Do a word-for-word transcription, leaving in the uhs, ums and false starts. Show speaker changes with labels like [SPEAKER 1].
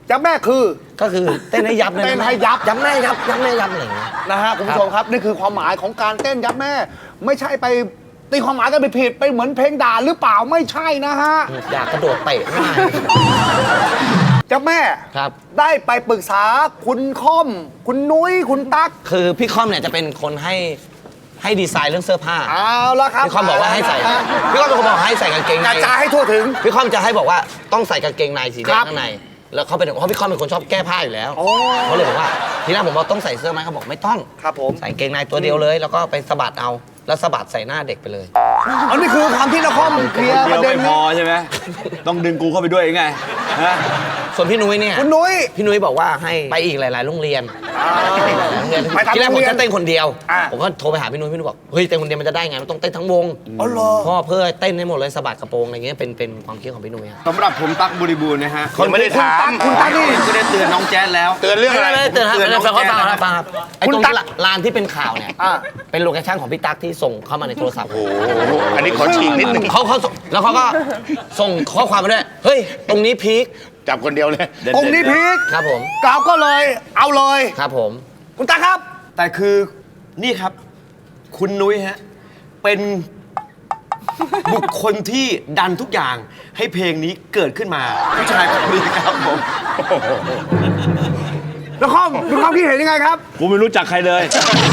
[SPEAKER 1] ยับแม่คือ
[SPEAKER 2] ก็คือเต้นให้ยับเลย
[SPEAKER 1] เต้นให้ยับ
[SPEAKER 2] ยับแม่ยับยับแม่ยับอะไรอย่างเงี้ย
[SPEAKER 1] นะฮะคุณผู้ชมครับนี่คือความหมายของการเต้นยับแม่ ไม่ใช่ไปตีความหมายกันไปผิดไปเหมือนเพลงด่าหรือเปล่าไม่ใช่นะฮะ
[SPEAKER 2] อยากกระโดดเตะง่าย
[SPEAKER 1] ยับแม่
[SPEAKER 2] ครับ
[SPEAKER 1] ได้ไปปรึกษาคุณค่อม คุณนุ้ยคุณตั๊ก
[SPEAKER 2] คือพี่ค่อมเนี่ยจะเป็นคนให้ให้ดีไซน์เรื่องเสื้อผ้า
[SPEAKER 1] เอาละครับ
[SPEAKER 2] พี่ค่อมบอกว่าให้ใส่
[SPEAKER 1] ฮะ
[SPEAKER 2] พี่ค่อมเป็นคนบอกให้ใส่กางเกง
[SPEAKER 1] ก
[SPEAKER 2] ใน
[SPEAKER 1] ระจายให้ทั่วถึง
[SPEAKER 2] พี่ค่อมจะให้บอกว่าต้องใส่กางเกงในสีแด
[SPEAKER 1] ครั
[SPEAKER 2] ง
[SPEAKER 1] บ
[SPEAKER 2] ข้างในแล้วเขาเป็นเพราะพี่ค่อมเป็นคนชอบแก้ผ้าอยู่แล้ว
[SPEAKER 1] โอ้
[SPEAKER 2] เขาเลยบอกว่าทีแรกผมบอกต้องใส่เสื้อไหมเขาบอกไม่ต้อง
[SPEAKER 1] ครับผม
[SPEAKER 2] ใส่กางเกงในตัวเดียวเลย แล้วก็ไปสะบัดเอาแล้วสะบัดใส่หน้าเด็กไปเลย
[SPEAKER 1] อันนี้คือความที่นครเคลียร์
[SPEAKER 3] เดี
[SPEAKER 1] ป
[SPEAKER 3] ยว
[SPEAKER 1] ระเด็น
[SPEAKER 3] ไม่พ
[SPEAKER 1] นี้
[SPEAKER 3] อใช่ไหมต้องดึงกูเข้าไปด้วยไงฮะ
[SPEAKER 2] ส่วนพี่นุ้ยเนี่ย
[SPEAKER 1] คุณนุ้ย
[SPEAKER 2] พี่นุ้ยบอกว่าให้ไปอีกหลาย ๆ โรงเรียนโรงเรียน
[SPEAKER 1] ไปทำ
[SPEAKER 2] ที่แรก
[SPEAKER 1] โร
[SPEAKER 2] ผ
[SPEAKER 1] ง
[SPEAKER 2] ม
[SPEAKER 1] เรียน
[SPEAKER 2] จะเต้นคนเดียว
[SPEAKER 1] อ่า
[SPEAKER 2] ผมก็โทรไปหาพี่นุ้ยพี่นุ้ยบอกเฮ้ยเต้นคนเดียวมันจะได้ไงมันต้องเต้นทั้งวง
[SPEAKER 1] อ๋อเหรอ
[SPEAKER 2] เพราะเพื่อเต้นให้หมดเลยสะบัดกระโปรงอะไรเงี้ยเป็นเป็นความคิดของพี่นุ้ยอะ
[SPEAKER 3] สำหรับผมตั๊กบริบูรณ์นะฮะ
[SPEAKER 1] ยังไม่ได้ถามคุณตั๊กนี่
[SPEAKER 3] ก็ได้เตือนน้องแจ๊สแล้ว
[SPEAKER 1] เตือนเรื่องอะไร
[SPEAKER 2] ไม่ได้เตือนครับ
[SPEAKER 3] เตือนน้อง
[SPEAKER 2] ฟังเขา
[SPEAKER 3] แจ๊
[SPEAKER 2] ฟัง
[SPEAKER 3] ส
[SPEAKER 2] ครับฟังครับไอ้
[SPEAKER 1] คุณ
[SPEAKER 2] ตรง
[SPEAKER 1] ตั๊
[SPEAKER 2] ที่
[SPEAKER 1] ก
[SPEAKER 2] ลานที่เป็นข่าวเนี่ย
[SPEAKER 1] อ่า
[SPEAKER 2] เป็นโลเคชั่นของพี่ตั๊กที่ส่งเข้ามาในโทรศัพท์
[SPEAKER 4] อันนี้ขอฉีกนิดนึง
[SPEAKER 2] เขาเขาส่งแล้วเขาก็ส่งข้อความมาด้วยเฮ้ยตรงนี้พีค
[SPEAKER 4] จับคนเดียวเลย
[SPEAKER 1] องค์นี้พีค
[SPEAKER 2] ครับผม
[SPEAKER 1] กล่าวก็เลยเอาเลย
[SPEAKER 2] ครับผม
[SPEAKER 1] คุณตั๊กครับ
[SPEAKER 3] แต่คือนี่ครับ คุณนุ้ยฮะ เป็นบุคคลที่ดันทุกอย่างให้เพลงนี้เกิดขึ้นมาผู้ชายคนนี้ครับผม
[SPEAKER 1] นครมีความคิดเห็นยังไงครับ
[SPEAKER 3] กูไม่รู้จักใครเลย